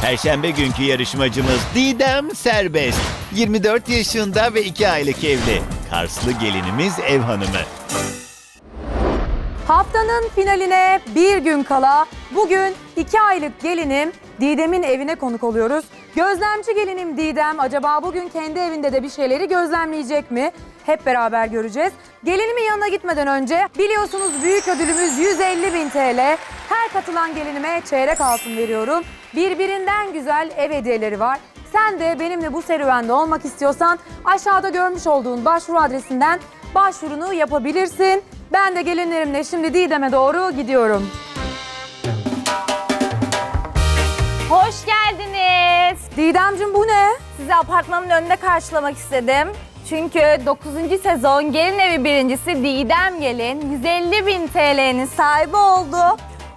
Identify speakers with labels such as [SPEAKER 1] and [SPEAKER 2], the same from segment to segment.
[SPEAKER 1] Perşembe günkü yarışmacımız Didem Serbest. 24 yaşında ve 2 aylık evli. Karslı gelinimiz ev hanımı.
[SPEAKER 2] Haftanın finaline bir gün kala bugün 2 aylık gelinim Didem'in evine konuk oluyoruz. Gözlemci gelinim Didem acaba bugün kendi evinde de bir şeyleri gözlemleyecek mi? Hep beraber göreceğiz. Gelinimin yanına gitmeden önce biliyorsunuz büyük ödülümüz 150.000 TL. Her katılan gelinime çeyrek altın veriyorum. Birbirinden güzel ev hediyeleri var. Sen de benimle bu serüvende olmak istiyorsan aşağıda görmüş olduğun başvuru adresinden başvurunu yapabilirsin. Ben de gelinlerimle şimdi Didem'e doğru gidiyorum.
[SPEAKER 3] Hoş geldiniz.
[SPEAKER 2] Didemciğim bu ne?
[SPEAKER 3] Sizi apartmanın önünde karşılamak istedim. Çünkü 9. sezon Gelin Evi birincisi Didem Gelin 150.000 TL'nin sahibi oldu.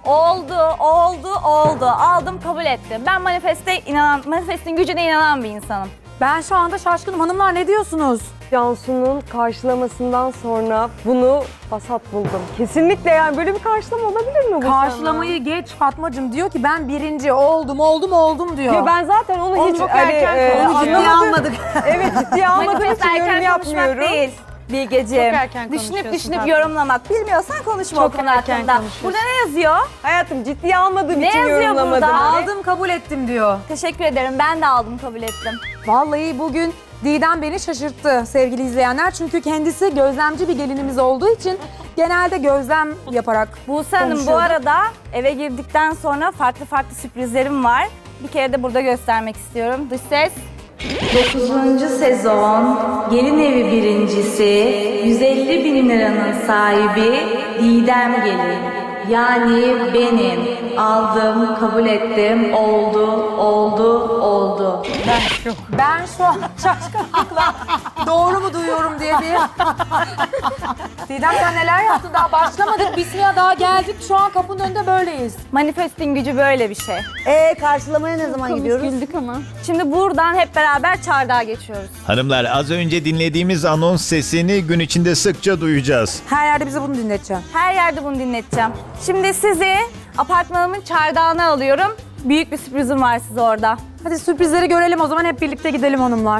[SPEAKER 3] Oldu. Aldım, kabul ettim. Ben manifestin gücüne inanan bir insanım.
[SPEAKER 2] Ben şu anda şaşkınım. Hanımlar ne diyorsunuz?
[SPEAKER 4] Cansu'nun karşılamasından sonra bunu vasat buldum. Kesinlikle yani böyle bir karşılama olabilir mi bu
[SPEAKER 2] Karşılamayı geç Fatmacığım diyor ki ben birinci oldum diyor.
[SPEAKER 4] Ya ben zaten onu hiç
[SPEAKER 2] çok erken konuşuyor.
[SPEAKER 4] ciddiye
[SPEAKER 2] Anlamadık.
[SPEAKER 4] Evet ciddiye almadığım
[SPEAKER 3] Manifest
[SPEAKER 4] için yorum
[SPEAKER 3] erken konuşmak
[SPEAKER 4] yapmıyorum.
[SPEAKER 3] değil Bilgeciğim.
[SPEAKER 5] Çok erken
[SPEAKER 3] Düşünüp
[SPEAKER 5] konuşuyorsun
[SPEAKER 3] yorumlamak. Bilmiyorsan konuşma o
[SPEAKER 5] Çok
[SPEAKER 3] konu
[SPEAKER 5] erken
[SPEAKER 3] hakkında.
[SPEAKER 5] konuşuyorsun.
[SPEAKER 3] Burada ne yazıyor?
[SPEAKER 4] Hayatım ciddiye almadığım
[SPEAKER 3] Ne
[SPEAKER 4] için
[SPEAKER 3] yazıyor
[SPEAKER 4] yorumlamadım.
[SPEAKER 3] burada?
[SPEAKER 2] Aldım kabul ettim diyor.
[SPEAKER 3] Teşekkür ederim. Ben de aldım, kabul ettim.
[SPEAKER 2] Vallahi bugün Didem beni şaşırttı sevgili izleyenler. Çünkü kendisi gözlemci bir gelinimiz olduğu için genelde gözlem yaparak
[SPEAKER 3] Buse Hanım bu
[SPEAKER 2] konuşuyordu.
[SPEAKER 3] arada eve girdikten sonra farklı sürprizlerim var. Bir kere de burada göstermek istiyorum. Dış ses. 9. sezon Gelin Evi birincisi 150.000 liranın sahibi Didem Gelin. Yani benim. Aldım, kabul ettim. Oldu.
[SPEAKER 2] Ben şu an şaşkınlıkla doğru mu duyuyorum diye bir... Didem sen neler yaptın? Daha başlamadık. Bismillah daha geldik. Şu an kapının önünde böyleyiz.
[SPEAKER 3] Manifestin gücü böyle bir şey.
[SPEAKER 6] Karşılamaya ne zaman gidiyoruz?
[SPEAKER 3] Şimdi buradan hep beraber çardağa geçiyoruz.
[SPEAKER 1] Hanımlar az önce dinlediğimiz anons sesini gün içinde sıkça duyacağız.
[SPEAKER 2] Her yerde bize bunu dinleteceğim.
[SPEAKER 3] Her yerde bunu dinleteceğim. Şimdi sizi apartmanımın çardağına alıyorum. Büyük bir sürprizim var size orada.
[SPEAKER 2] Hadi sürprizleri görelim o zaman hep birlikte gidelim hanımlar.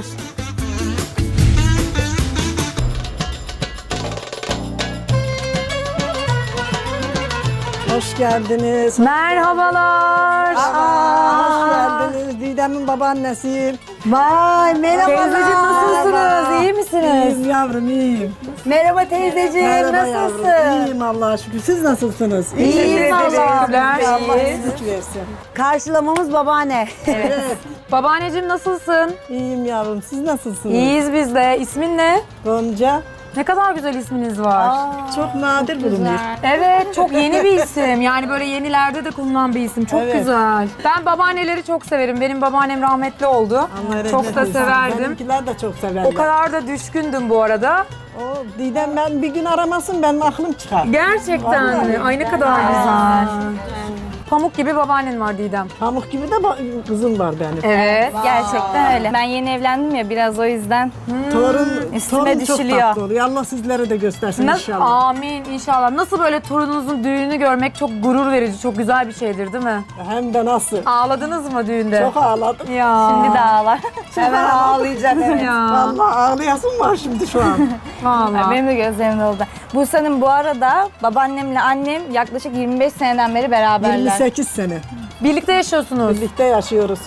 [SPEAKER 7] Hoş geldiniz.
[SPEAKER 2] Merhabalar.
[SPEAKER 7] Hoş geldiniz. Didem'in babaannesiyim.
[SPEAKER 6] Vay merhaba.
[SPEAKER 2] Teyzeciğim nasılsınız? İyi misiniz?
[SPEAKER 7] İyiyim yavrum, iyiyim.
[SPEAKER 6] Merhaba teyzeciğim,
[SPEAKER 7] Merhaba
[SPEAKER 6] nasılsın?
[SPEAKER 7] yavrum. İyiyim Allah'a şükür. Siz nasılsınız?
[SPEAKER 6] İyiyim Allah'a.
[SPEAKER 7] Allah iyilik versin.
[SPEAKER 6] Karşılamamız babaanne.
[SPEAKER 2] Babaanneciğim nasılsın?
[SPEAKER 7] İyiyim yavrum. Siz nasılsınız?
[SPEAKER 2] İyiyiz biz de. İsmin ne?
[SPEAKER 7] Gonca.
[SPEAKER 2] Ne kadar güzel isminiz var.
[SPEAKER 7] Çok nadir bulunuyor.
[SPEAKER 2] Evet, çok yeni bir isim. Yani böyle yenilerde de kullanılan bir isim. Çok
[SPEAKER 7] Evet.
[SPEAKER 2] güzel. Ben babaanneleri çok severim. Benim babaannem rahmetli oldu.
[SPEAKER 7] Allah
[SPEAKER 2] Çok
[SPEAKER 7] rahmet
[SPEAKER 2] da
[SPEAKER 7] eylesin.
[SPEAKER 2] severdim.
[SPEAKER 7] Benimkiler de çok severler.
[SPEAKER 2] O kadar da düşkündüm bu arada.
[SPEAKER 7] O Didem ben bir gün aramasın benim aklım çıkar.
[SPEAKER 2] Gerçekten mi? Ay ne kadar güzel. Pamuk gibi babaannen var Didem.
[SPEAKER 7] Pamuk gibi de kızım var benim.
[SPEAKER 2] Evet.
[SPEAKER 3] Gerçekten öyle. Ben yeni evlendim ya biraz o yüzden.
[SPEAKER 7] Torun
[SPEAKER 3] Üstüme
[SPEAKER 7] çok
[SPEAKER 3] düşülüyor.
[SPEAKER 7] tatlı oluyor. Allah sizlere de göstersin inşallah.
[SPEAKER 2] Amin inşallah. Nasıl böyle torununuzun düğününü görmek çok gurur verici, çok güzel bir şeydir değil mi?
[SPEAKER 7] Hem de nasıl.
[SPEAKER 2] Ağladınız mı düğünde?
[SPEAKER 7] Çok ağladım.
[SPEAKER 2] Ya.
[SPEAKER 3] Şimdi de ağlar.
[SPEAKER 6] Hemen ağlayacak evet.
[SPEAKER 2] Ya.
[SPEAKER 7] Vallahi ağlayasım var şimdi şu an.
[SPEAKER 2] Vallahi.
[SPEAKER 3] Benim de gözlerim doldu. Buse'nin bu arada babaannemle annem yaklaşık 25 seneden beri beraberler.
[SPEAKER 7] 28 sene.
[SPEAKER 2] Birlikte yaşıyorsunuz.
[SPEAKER 7] Birlikte yaşıyoruz.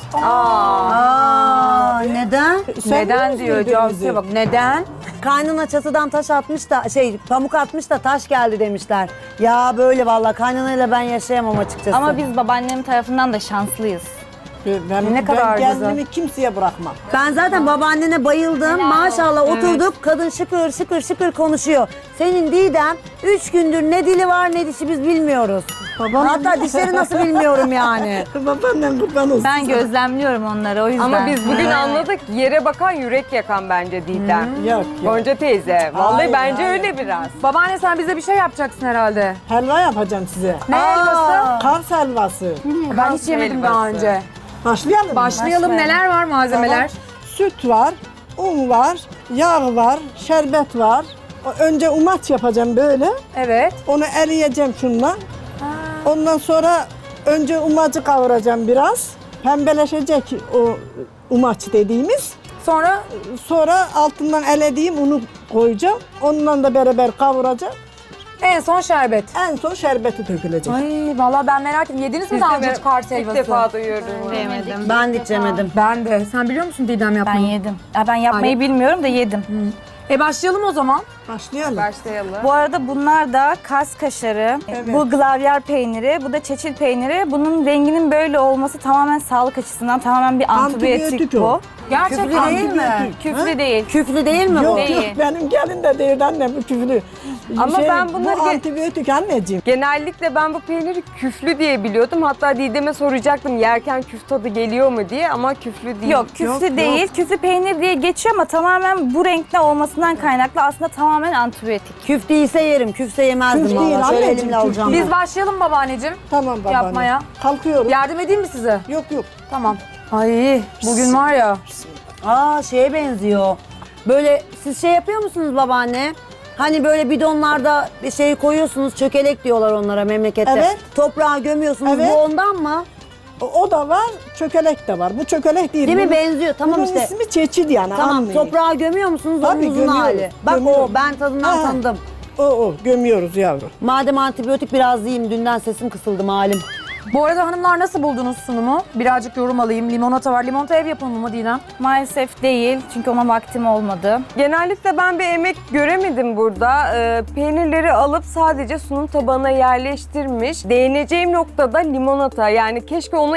[SPEAKER 6] Aa, neden?
[SPEAKER 2] Neden diyor Cansu'ya bak. Neden?
[SPEAKER 6] Kaynana çatıdan taş atmış da pamuk atmış da taş geldi demişler. Ya böyle vallahi kaynanayla ben yaşayamam açıkçası.
[SPEAKER 3] Ama biz babaannem tarafından da şanslıyız.
[SPEAKER 2] Ne kadar
[SPEAKER 7] ben
[SPEAKER 2] güzel.
[SPEAKER 7] kendimi kimseye bırakmam.
[SPEAKER 6] Ben zaten babaannene bayıldım. Maşallah oturduk kadın şıkır konuşuyor. Senin Didem 3 gündür ne dili var ne dişi biz bilmiyoruz.
[SPEAKER 7] Babam
[SPEAKER 6] Hatta dişleri nasıl bilmiyorum yani.
[SPEAKER 7] Babaannem kurban olsun.
[SPEAKER 3] Ben gözlemliyorum onları o yüzden.
[SPEAKER 4] Ama biz bugün anladık yere bakan yürek yakan bence Didem.
[SPEAKER 7] Yok.
[SPEAKER 4] Gonca teyze. Vallahi
[SPEAKER 7] Hayır,
[SPEAKER 4] bence
[SPEAKER 7] hayır.
[SPEAKER 4] öyle biraz.
[SPEAKER 2] Babaanne sen bize bir şey yapacaksın herhalde.
[SPEAKER 7] Helva yapacağım size.
[SPEAKER 2] Ne helvası?
[SPEAKER 7] Kars helvası.
[SPEAKER 2] Ben hiç yemedim daha
[SPEAKER 4] helvası.
[SPEAKER 2] önce.
[SPEAKER 7] Başlayalım mı?
[SPEAKER 2] Başlayalım. Neler var malzemeler?
[SPEAKER 7] Süt var, un var, yağ var, şerbet var. Önce umaç yapacağım böyle.
[SPEAKER 2] Evet.
[SPEAKER 7] Onu eriyeceğim şunla. Ondan sonra önce umacı kavuracağım biraz. Pembeleşecek o umaç dediğimiz.
[SPEAKER 2] Sonra
[SPEAKER 7] Sonra altından elediğim unu koyacağım. Onunla da beraber kavuracağım.
[SPEAKER 2] en son şerbet.
[SPEAKER 7] En son şerbeti dökülecek.
[SPEAKER 2] Ay vallahi ben merak ettim. Yediniz mi daha önce Kars
[SPEAKER 4] İlk
[SPEAKER 2] helvası?
[SPEAKER 4] defa duyuyorum.
[SPEAKER 6] Ben de hiç yemedim.
[SPEAKER 2] Ben de. Sen biliyor musun Didem
[SPEAKER 3] Ben
[SPEAKER 2] yapmayı?
[SPEAKER 3] yedim. Ya ben yapmayı bilmiyorum da yedim.
[SPEAKER 2] Başlayalım o zaman.
[SPEAKER 7] Başlayalım.
[SPEAKER 4] Başlayalım.
[SPEAKER 3] Bu arada bunlar da Kars kaşarı,
[SPEAKER 7] Evet.
[SPEAKER 3] bu glavyer peyniri, bu da çeçil peyniri. Bunun renginin böyle olması tamamen sağlık açısından tamamen bir antibiyotik
[SPEAKER 7] Antibiyotik
[SPEAKER 3] bu.
[SPEAKER 7] o.
[SPEAKER 2] Gerçekten
[SPEAKER 6] Küflü değil mi?
[SPEAKER 7] Antibiyotik.
[SPEAKER 3] Küflü değil.
[SPEAKER 6] Küflü değil mi
[SPEAKER 7] Yok
[SPEAKER 6] bu?
[SPEAKER 3] Değil.
[SPEAKER 7] yok benim gelin de değil anne bu küflü.
[SPEAKER 4] Ama ben bunları
[SPEAKER 7] Bu antibiyotik anneciğim.
[SPEAKER 4] Genellikle ben bu peyniri küflü diye biliyordum. Hatta Didem'e soracaktım yerken küf tadı geliyor mu diye ama küflü değil.
[SPEAKER 3] Yok küflü
[SPEAKER 7] Yok,
[SPEAKER 3] değil.
[SPEAKER 7] yok.
[SPEAKER 3] Küflü peynir diye geçiyor ama tamamen bu renkte olmasından kaynaklı aslında tamamen antibiyotik.
[SPEAKER 6] Küf değilse yerim. Küfse yemezdim
[SPEAKER 7] Küf değil,
[SPEAKER 6] valla. Şöyle
[SPEAKER 7] anneciğim,
[SPEAKER 6] elimle
[SPEAKER 7] küf
[SPEAKER 6] alacağım.
[SPEAKER 7] değil.
[SPEAKER 2] Biz başlayalım babaanneciğim.
[SPEAKER 7] Tamam babaanne.
[SPEAKER 2] Yapmaya.
[SPEAKER 7] Kalkıyorum.
[SPEAKER 2] Yardım edeyim mi size?
[SPEAKER 7] Yok yok.
[SPEAKER 2] Tamam. Ay bugün var ya.
[SPEAKER 6] Aa şeye benziyor. Böyle siz şey yapıyor musunuz babaanne? Hani böyle bidonlarda bir şey koyuyorsunuz, çökelek diyorlar onlara memlekette.
[SPEAKER 7] Evet.
[SPEAKER 6] Toprağa gömüyorsunuz.
[SPEAKER 7] Evet.
[SPEAKER 6] Bu ondan mı?
[SPEAKER 7] O da var, çökelek de var. Bu çökelek değil.
[SPEAKER 6] Değil mi?
[SPEAKER 7] Bunun-
[SPEAKER 6] Benziyor. Tamam
[SPEAKER 7] bunun
[SPEAKER 6] işte.
[SPEAKER 7] ismi çeçil yani.
[SPEAKER 6] Tamam.
[SPEAKER 7] anlayın.
[SPEAKER 6] Toprağa gömüyor musunuz?
[SPEAKER 7] Tabii,
[SPEAKER 6] Onun uzun
[SPEAKER 7] gömüyoruz,
[SPEAKER 6] hali. Bak
[SPEAKER 7] gömüyoruz.
[SPEAKER 6] o. Ben tadından
[SPEAKER 7] Ha.
[SPEAKER 6] tanıdım.
[SPEAKER 7] O gömüyoruz yavrum.
[SPEAKER 6] Madem antibiyotik biraz yiyeyim. Dünden sesim kısıldı malum.
[SPEAKER 2] Bu arada hanımlar nasıl buldunuz sunumu? Birazcık yorum alayım. Limonata var. Limonata ev yapımı mı Didem?
[SPEAKER 3] Maalesef değil çünkü ona vaktim olmadı.
[SPEAKER 4] Genellikle ben bir emek göremedim burada. Peynirleri alıp sadece sunum tabağına yerleştirmiş. Değineceğim noktada limonata. Yani keşke onu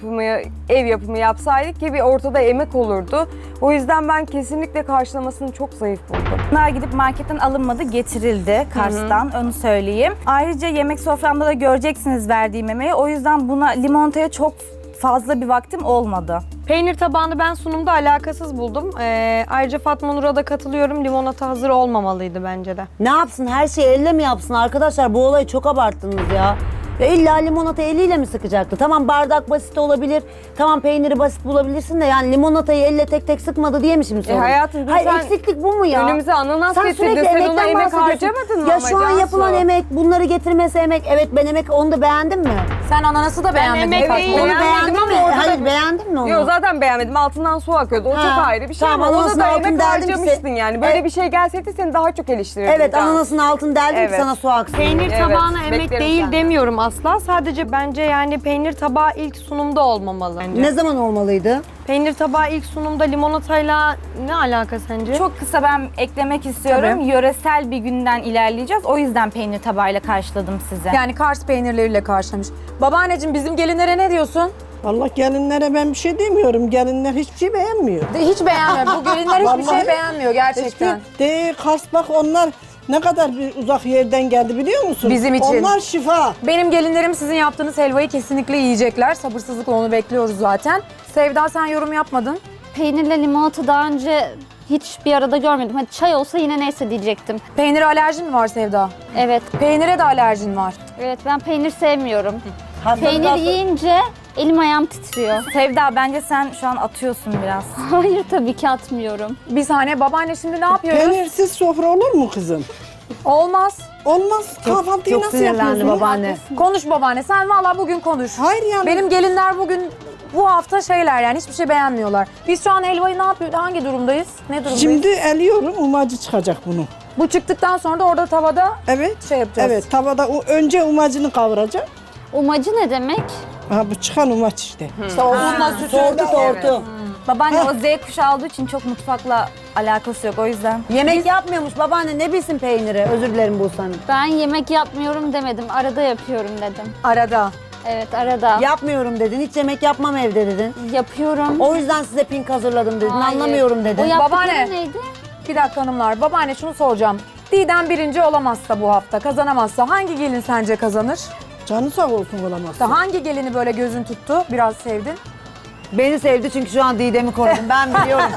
[SPEAKER 4] ev yapımı yapsaydık ki bir ortada emek olurdu. O yüzden ben kesinlikle karşılamasını çok zayıf buldum.
[SPEAKER 3] Bunlar gidip marketten alınmadı, getirildi Kars'tan, onu söyleyeyim. Ayrıca yemek soframda da göreceksiniz verdiğim emeği. O yüzden buna limonataya çok fazla bir vaktim olmadı.
[SPEAKER 5] Peynir tabağını ben sunumda alakasız buldum. Ayrıca Fatma Nur'a da katılıyorum. Limonata hazır olmamalıydı bence de.
[SPEAKER 6] Ne yapsın? Her şeyi elle mi yapsın? Arkadaşlar bu olayı çok abarttınız ya. Ya illa limonata eliyle mi sıkacaktı? Tamam bardak basit olabilir. Tamam peyniri basit bulabilirsin de yani limonatayı elle tek tek sıkmadı diye mi şimdi sorun?
[SPEAKER 4] hayatım,
[SPEAKER 6] Hayır
[SPEAKER 4] sen
[SPEAKER 6] eksiklik bu mu ya?
[SPEAKER 4] önümüze ananas
[SPEAKER 6] Sen
[SPEAKER 4] getirdin,
[SPEAKER 6] sürekli
[SPEAKER 4] sen ona
[SPEAKER 6] emekten
[SPEAKER 4] emek
[SPEAKER 6] bahsediyorsun.
[SPEAKER 4] harcamadın mı
[SPEAKER 6] Ya
[SPEAKER 4] ama
[SPEAKER 6] şu an
[SPEAKER 4] Cansu?
[SPEAKER 6] yapılan emek, bunları getirmesi emek. Evet ben emek, onu da beğendin mi?
[SPEAKER 2] Sen ananası da beğenmedin.
[SPEAKER 4] emeği
[SPEAKER 2] Fatma.
[SPEAKER 4] beğendim.
[SPEAKER 6] Onu
[SPEAKER 4] Beğenmedim
[SPEAKER 6] beğendin mi?
[SPEAKER 4] ama ortada
[SPEAKER 6] Hayır
[SPEAKER 4] bir-
[SPEAKER 6] beğendin mi onu?
[SPEAKER 4] Yok zaten beğenmedim. Altından su akıyordu. O
[SPEAKER 6] Ha,
[SPEAKER 4] çok ayrı bir şey
[SPEAKER 6] tamam,
[SPEAKER 4] ama ona
[SPEAKER 6] ananasın
[SPEAKER 4] da
[SPEAKER 6] altını
[SPEAKER 4] emek
[SPEAKER 6] deldim ki
[SPEAKER 4] harcamıştın yani. Böyle
[SPEAKER 6] Evet.
[SPEAKER 4] bir şey gelseydi seni daha çok eleştirirdim.
[SPEAKER 6] Evet
[SPEAKER 4] Cansu.
[SPEAKER 6] ananasın altını deldim ki
[SPEAKER 4] Evet.
[SPEAKER 6] sana su aksın.
[SPEAKER 5] Peynir
[SPEAKER 4] Evet,
[SPEAKER 5] tabağına emek
[SPEAKER 4] beklerim
[SPEAKER 5] değil
[SPEAKER 4] senden.
[SPEAKER 5] demiyorum asla. Sadece bence yani peynir tabağı ilk sunumda olmamalı.
[SPEAKER 6] Ne zaman olmalıydı?
[SPEAKER 5] Peynir tabağı ilk sunumda limonatayla ne alaka sence?
[SPEAKER 3] Çok kısa ben eklemek istiyorum.
[SPEAKER 2] Tabii.
[SPEAKER 3] Yöresel bir günden ilerleyeceğiz. O yüzden peynir tabağıyla karşıladım size.
[SPEAKER 2] Yani Kars peynirleriyle karşılamış. Babaanneciğim bizim gelinlere ne diyorsun?
[SPEAKER 7] Vallahi gelinlere ben bir şey demiyorum. Gelinler hiçbir şey beğenmiyor.
[SPEAKER 2] Hiç beğenmiyor. Bu gelinler hiçbir şey
[SPEAKER 7] Vallahi
[SPEAKER 2] beğenmiyor gerçekten.
[SPEAKER 7] Hiçbir de Kars bak onlar ne kadar bir uzak yerden geldi biliyor musun?
[SPEAKER 2] Bizim için.
[SPEAKER 7] Onlar şifa.
[SPEAKER 2] Benim gelinlerim sizin yaptığınız helvayı kesinlikle yiyecekler. Sabırsızlıkla onu bekliyoruz zaten. Sevda sen yorum yapmadın.
[SPEAKER 8] Peynirle limonata daha önce hiç bir arada görmedim. Hadi çay olsa yine neyse diyecektim.
[SPEAKER 2] Peynire alerjin mi var Sevda?
[SPEAKER 8] Evet,
[SPEAKER 2] Peynire de alerjin var.
[SPEAKER 8] evet ben peynir sevmiyorum.
[SPEAKER 6] Hastalık
[SPEAKER 8] Peynir yiyince elim ayağım titriyor.
[SPEAKER 3] Sevda bence sen şu an atıyorsun biraz.
[SPEAKER 8] Hayır tabii ki atmıyorum.
[SPEAKER 2] Bir saniye babaanne şimdi ne yapıyoruz?
[SPEAKER 7] Peynirsiz sofra olur mu kızım?
[SPEAKER 2] Olmaz.
[SPEAKER 7] Olmaz. Kahvaltıyı
[SPEAKER 6] çok
[SPEAKER 7] nasıl
[SPEAKER 6] sinirlendi
[SPEAKER 7] yapıyorsunuz?
[SPEAKER 6] babaanne.
[SPEAKER 2] Konuş babaanne. Sen vallahi bugün konuş.
[SPEAKER 7] Hayır yani.
[SPEAKER 2] Benim gelinler bugün bu hafta şeyler yani hiçbir şey beğenmiyorlar. Biz şu an helvayı ne yapıyoruz? Hangi durumdayız? Ne durumdayız?
[SPEAKER 7] Şimdi eliyorum umacı çıkacak bunu.
[SPEAKER 2] Bu çıktıktan sonra da orada tavada
[SPEAKER 7] Evet.
[SPEAKER 2] şey yapacağız.
[SPEAKER 7] Evet tavada önce umacını kavuracağım.
[SPEAKER 8] Umacı ne demek?
[SPEAKER 7] Ha bu çıkan umaç işte.
[SPEAKER 2] İşte o unla sütü.
[SPEAKER 6] Tortu.
[SPEAKER 3] Babaanne o Z kuşağı olduğu için çok mutfakla alakası yok o yüzden.
[SPEAKER 6] Yemek yapmıyormuş babaanne ne bilsin peyniri? Özür dilerim Buse'nin.
[SPEAKER 8] Ben yemek yapmıyorum demedim. Arada yapıyorum dedim.
[SPEAKER 2] Arada.
[SPEAKER 8] Evet arada.
[SPEAKER 6] Yapmıyorum dedin. Hiç yemek yapmam evde dedin.
[SPEAKER 8] Yapıyorum.
[SPEAKER 6] O yüzden size pink hazırladım dedin.
[SPEAKER 8] Hayır.
[SPEAKER 6] Anlamıyorum
[SPEAKER 8] O
[SPEAKER 6] dedin.
[SPEAKER 8] yaptıkları
[SPEAKER 2] Babaanne.
[SPEAKER 8] neydi?
[SPEAKER 2] Bir dakika hanımlar. Babaanne şunu soracağım. Didem birinci olamazsa bu hafta, kazanamazsa hangi gelin sence kazanır?
[SPEAKER 7] Canı sağ olsun olamaz.
[SPEAKER 2] Hangi gelini böyle gözün tuttu, biraz sevdin?
[SPEAKER 6] Beni sevdi çünkü şu an Didem'i korudum. Ben biliyorum.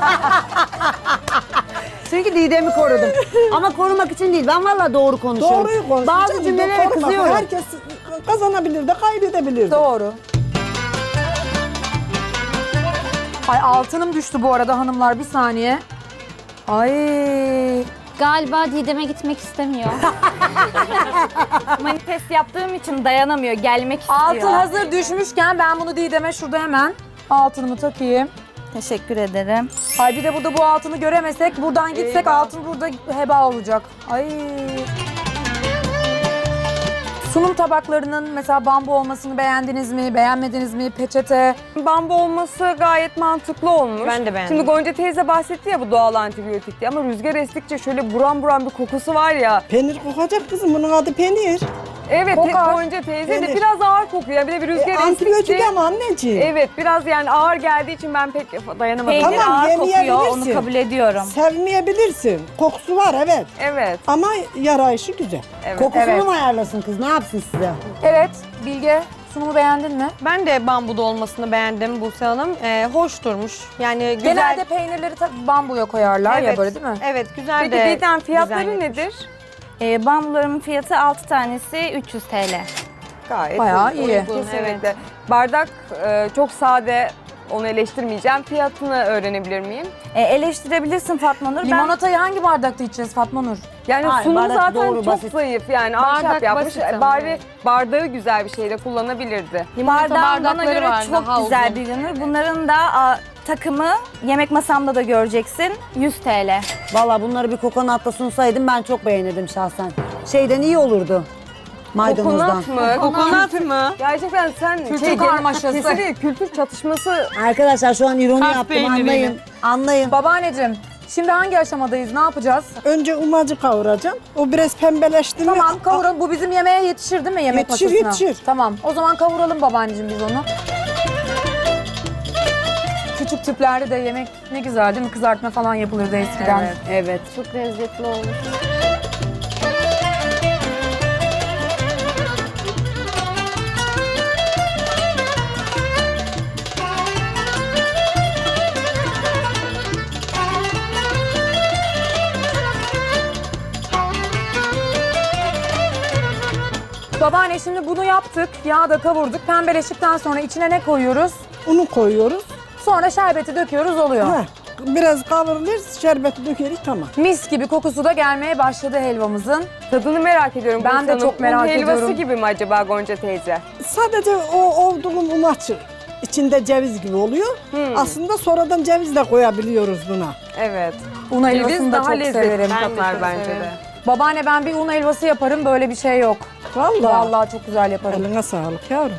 [SPEAKER 6] Çünkü Didem'i korudum. Ama korumak için değil. Ben vallahi doğru konuşuyorum.
[SPEAKER 7] Doğruyu konuş.
[SPEAKER 6] Bazı
[SPEAKER 7] Canım,
[SPEAKER 6] cümlelere
[SPEAKER 7] korkma.
[SPEAKER 6] kızıyorum.
[SPEAKER 7] Herkes kazanabilir de kaybedebilir de.
[SPEAKER 2] Doğru. Ay altınım düştü bu arada hanımlar bir saniye. Ay
[SPEAKER 8] Galiba Didem'e gitmek istemiyor.
[SPEAKER 3] Manifest yaptığım için dayanamıyor, gelmek istiyor.
[SPEAKER 2] Altın hazır düşmüşken ben bunu Didem'e şurada hemen altınımı takayım.
[SPEAKER 3] Teşekkür ederim.
[SPEAKER 2] Ay bir de burada bu altını göremesek, buradan gitsek altın burada heba olacak. Ay. Sunum tabaklarının mesela bambu olmasını beğendiniz mi, beğenmediniz mi? Peçete.
[SPEAKER 4] Bambu olması gayet mantıklı olmuş.
[SPEAKER 5] Ben de beğendim.
[SPEAKER 4] Şimdi Gonca teyze bahsetti ya bu doğal antibiyotik diye ama rüzgar estikçe şöyle buram buram bir kokusu var ya.
[SPEAKER 7] Peynir kokacak kızım, bunun adı peynir.
[SPEAKER 4] Evet
[SPEAKER 2] Kokar.
[SPEAKER 4] Gonca teyze de
[SPEAKER 7] Peynir.
[SPEAKER 4] biraz ağır kokuyor. Bir de bir rüzgar
[SPEAKER 7] Antibiyotik
[SPEAKER 4] estikçe.
[SPEAKER 7] ama anneciğim.
[SPEAKER 4] Evet biraz yani ağır geldiği için ben pek dayanamadım.
[SPEAKER 3] Peynir
[SPEAKER 7] Tamam,
[SPEAKER 3] ağır kokuyor,
[SPEAKER 7] yemeyebilirsin.
[SPEAKER 3] onu kabul ediyorum.
[SPEAKER 7] Sevmeyebilirsin. Kokusu var evet.
[SPEAKER 4] Evet.
[SPEAKER 7] Ama yarayışı güzel.
[SPEAKER 4] Evet.
[SPEAKER 6] Kokusunu
[SPEAKER 2] Evet.
[SPEAKER 6] mu ayarlasın kız? Ne yapsın size?
[SPEAKER 2] Evet, Bilge sunumu beğendin mi?
[SPEAKER 5] Ben de bambuda olmasını beğendim Buse Hanım. Hoş durmuş. Yani güzel.
[SPEAKER 2] Genelde peynirleri bambuya koyarlar ya
[SPEAKER 5] Evet.
[SPEAKER 2] böyle değil mi?
[SPEAKER 5] Evet güzel
[SPEAKER 4] Peki
[SPEAKER 5] de.
[SPEAKER 4] Didem fiyatları
[SPEAKER 5] dizayn
[SPEAKER 4] nedir?
[SPEAKER 3] Bambularımın fiyatı 6 tanesi 300 TL.
[SPEAKER 4] Gayet
[SPEAKER 2] Bayağı
[SPEAKER 4] uygun,
[SPEAKER 2] iyi.
[SPEAKER 4] Kesinlikle. Bardak çok sade, onu eleştirmeyeceğim. Fiyatını öğrenebilir miyim?
[SPEAKER 3] Eleştirebilirsin Fatma Nur.
[SPEAKER 2] Limonatayı hangi bardakta içeceğiz Fatma Nur?
[SPEAKER 4] Yani
[SPEAKER 6] Hayır,
[SPEAKER 4] sunumu
[SPEAKER 6] bardak
[SPEAKER 4] zaten
[SPEAKER 6] doğru,
[SPEAKER 4] çok
[SPEAKER 6] basit.
[SPEAKER 4] zayıf yani ahşap
[SPEAKER 5] Bardak
[SPEAKER 4] yapmış.
[SPEAKER 5] basit ama,
[SPEAKER 4] Bari
[SPEAKER 5] evet.
[SPEAKER 4] bardağı güzel bir şeyle kullanabilirdi.
[SPEAKER 5] Limonata
[SPEAKER 3] Bardağım bana
[SPEAKER 5] bardakları
[SPEAKER 3] göre
[SPEAKER 5] var,
[SPEAKER 3] çok
[SPEAKER 5] daha
[SPEAKER 3] güzel
[SPEAKER 5] uzun.
[SPEAKER 3] bir ürünü. Bunların da takımı yemek masamda da göreceksin. 100 TL.
[SPEAKER 6] Valla bunları bir kokonatla sunsaydım ben çok beğenirdim şahsen. Şeyden iyi olurdu. Maydanozdan.
[SPEAKER 4] Kokonat mı?
[SPEAKER 5] Kokonat mı?
[SPEAKER 4] Gerçekten sen
[SPEAKER 2] Kültür karmaşası.
[SPEAKER 4] kesinlikle kültür çatışması.
[SPEAKER 6] Arkadaşlar şu an ironi
[SPEAKER 5] Kars
[SPEAKER 6] yaptım
[SPEAKER 5] peyniriyle.
[SPEAKER 6] anlayın. Anlayın.
[SPEAKER 2] Babaanneciğim, şimdi hangi aşamadayız? Ne yapacağız?
[SPEAKER 7] Önce umacı kavuracağım. O biraz pembeleşti mi?
[SPEAKER 2] Tamam kavuralım. Bu bizim yemeğe yetişir değil mi? Yemek
[SPEAKER 7] Yetişir,
[SPEAKER 2] masasına.
[SPEAKER 7] yetişir.
[SPEAKER 2] Tamam. O zaman kavuralım babaanneciğim biz onu. Küçük tüplerde de yemek ne güzel değil mi? Kızartma falan yapılırdı eskiden.
[SPEAKER 4] Evet.
[SPEAKER 6] Evet.
[SPEAKER 8] Çok lezzetli olmuş.
[SPEAKER 2] Babaanne şimdi bunu yaptık. Yağda kavurduk. Pembeleştikten sonra içine ne koyuyoruz?
[SPEAKER 7] Unu koyuyoruz.
[SPEAKER 2] Sonra şerbeti döküyoruz oluyor.
[SPEAKER 7] Heh, biraz kavrulur, şerbeti dökeriz tamam.
[SPEAKER 2] Mis gibi kokusu da gelmeye başladı helvamızın.
[SPEAKER 4] Tadını merak ediyorum.
[SPEAKER 2] Ben
[SPEAKER 4] Buse
[SPEAKER 2] de
[SPEAKER 4] Hanım.
[SPEAKER 2] çok merak
[SPEAKER 4] Un helvası
[SPEAKER 2] ediyorum.
[SPEAKER 4] gibi mi acaba Gonca teyze?
[SPEAKER 7] Sadece o olduğum umaç içinde ceviz gibi oluyor. Aslında sonradan ceviz de koyabiliyoruz buna.
[SPEAKER 4] Evet.
[SPEAKER 2] Un helvasını da
[SPEAKER 4] daha
[SPEAKER 2] çok
[SPEAKER 4] lezzetli
[SPEAKER 2] severim.
[SPEAKER 4] katar
[SPEAKER 5] çok
[SPEAKER 4] bence
[SPEAKER 5] severim.
[SPEAKER 4] de.
[SPEAKER 2] Babaanne ben bir un helvası yaparım. Böyle bir şey yok.
[SPEAKER 7] Vallahi.
[SPEAKER 2] Vallahi çok güzel yaparım.
[SPEAKER 7] Eline sağlık yavrum.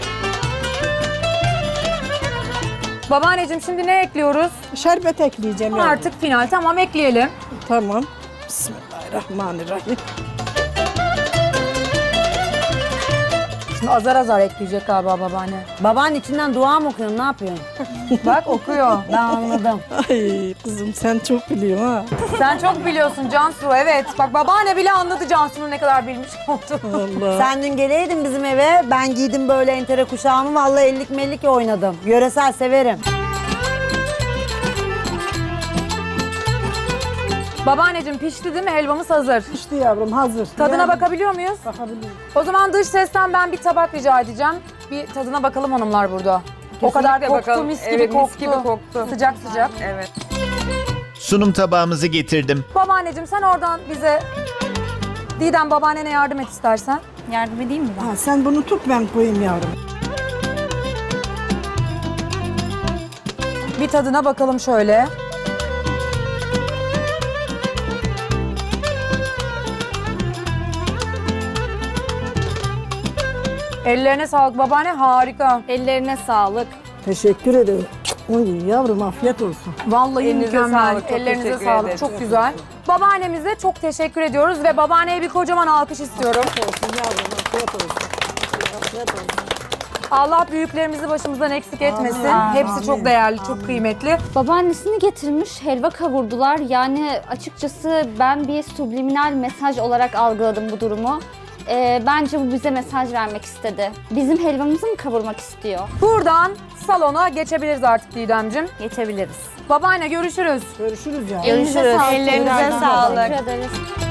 [SPEAKER 2] Babaanneciğim şimdi ne ekliyoruz?
[SPEAKER 7] Şerbet ekleyeceğim yavrum.
[SPEAKER 2] Artık final. Tamam ekleyelim.
[SPEAKER 7] Tamam. Bismillahirrahmanirrahim.
[SPEAKER 2] Şimdi azar azar ekleyecek galiba babaanne.
[SPEAKER 6] Babanın içinden dua mı okuyorsun? Ne yapıyorsun?
[SPEAKER 2] Bak okuyor.
[SPEAKER 6] Ben anladım.
[SPEAKER 7] Ay kızım sen çok biliyorsun ha.
[SPEAKER 2] Sen çok biliyorsun Cansu. Evet. Bak babaanne bile anladı Cansu'nun ne kadar bilmiş olduğunu.
[SPEAKER 7] Allah.
[SPEAKER 6] Sen dün geleydin bizim eve. Ben giydim böyle entere kuşağımı. Vallahi ellik mellik oynadım. Yöresel severim.
[SPEAKER 2] Babaanneciğim pişti değil mi? Helvamız hazır.
[SPEAKER 7] İşte yavrum hazır.
[SPEAKER 2] Tadına
[SPEAKER 7] Yani
[SPEAKER 2] bakabiliyor muyuz?
[SPEAKER 7] bakabilirim.
[SPEAKER 2] O zaman dış sesten ben bir tabak rica edeceğim. Bir tadına bakalım hanımlar burada. O kadar
[SPEAKER 4] Kesinlikle
[SPEAKER 2] koktu,
[SPEAKER 4] bakalım.
[SPEAKER 2] mis gibi
[SPEAKER 4] Evet,
[SPEAKER 2] koktu.
[SPEAKER 4] mis gibi koktu.
[SPEAKER 2] Sıcak sıcak.
[SPEAKER 4] Evet.
[SPEAKER 1] Sunum tabağımızı getirdim.
[SPEAKER 2] Babaanneciğim sen oradan bize Didem babaannene yardım et istersen.
[SPEAKER 3] Yardım edeyim mi ben?
[SPEAKER 7] Ha, sen bunu tut ben koyayım yavrum.
[SPEAKER 2] Bir tadına bakalım şöyle. Ellerine sağlık babaanne harika.
[SPEAKER 3] Ellerine sağlık.
[SPEAKER 7] Teşekkür ederim. Oy yavrum afiyet olsun.
[SPEAKER 2] Vallahi
[SPEAKER 4] Elinize
[SPEAKER 2] mükemmel.
[SPEAKER 4] sağlık, çok
[SPEAKER 2] Ellerinize
[SPEAKER 4] teşekkür
[SPEAKER 2] sağlık.
[SPEAKER 4] ederiz.
[SPEAKER 2] Çok güzel. Babaannemize çok teşekkür ediyoruz ve babaanneye bir kocaman alkış istiyorum.
[SPEAKER 7] Olsun yavrum afiyet olsun. Afiyet olsun.
[SPEAKER 2] Allah büyüklerimizi başımızdan eksik etmesin. Hepsi çok değerli, çok kıymetli.
[SPEAKER 8] Babaannesini getirmiş, helva kavurdular. Yani açıkçası ben bir subliminal mesaj olarak algıladım bu durumu. Bence bu bize mesaj vermek istedi. Bizim helvamızı mı kavurmak istiyor?
[SPEAKER 2] Buradan salona geçebiliriz artık Didemciğim.
[SPEAKER 3] Geçebiliriz.
[SPEAKER 2] Babaanne görüşürüz.
[SPEAKER 7] Görüşürüz yavrum.
[SPEAKER 3] Görüşürüz. Ellerinize sağlık.
[SPEAKER 8] Teşekkür ederiz.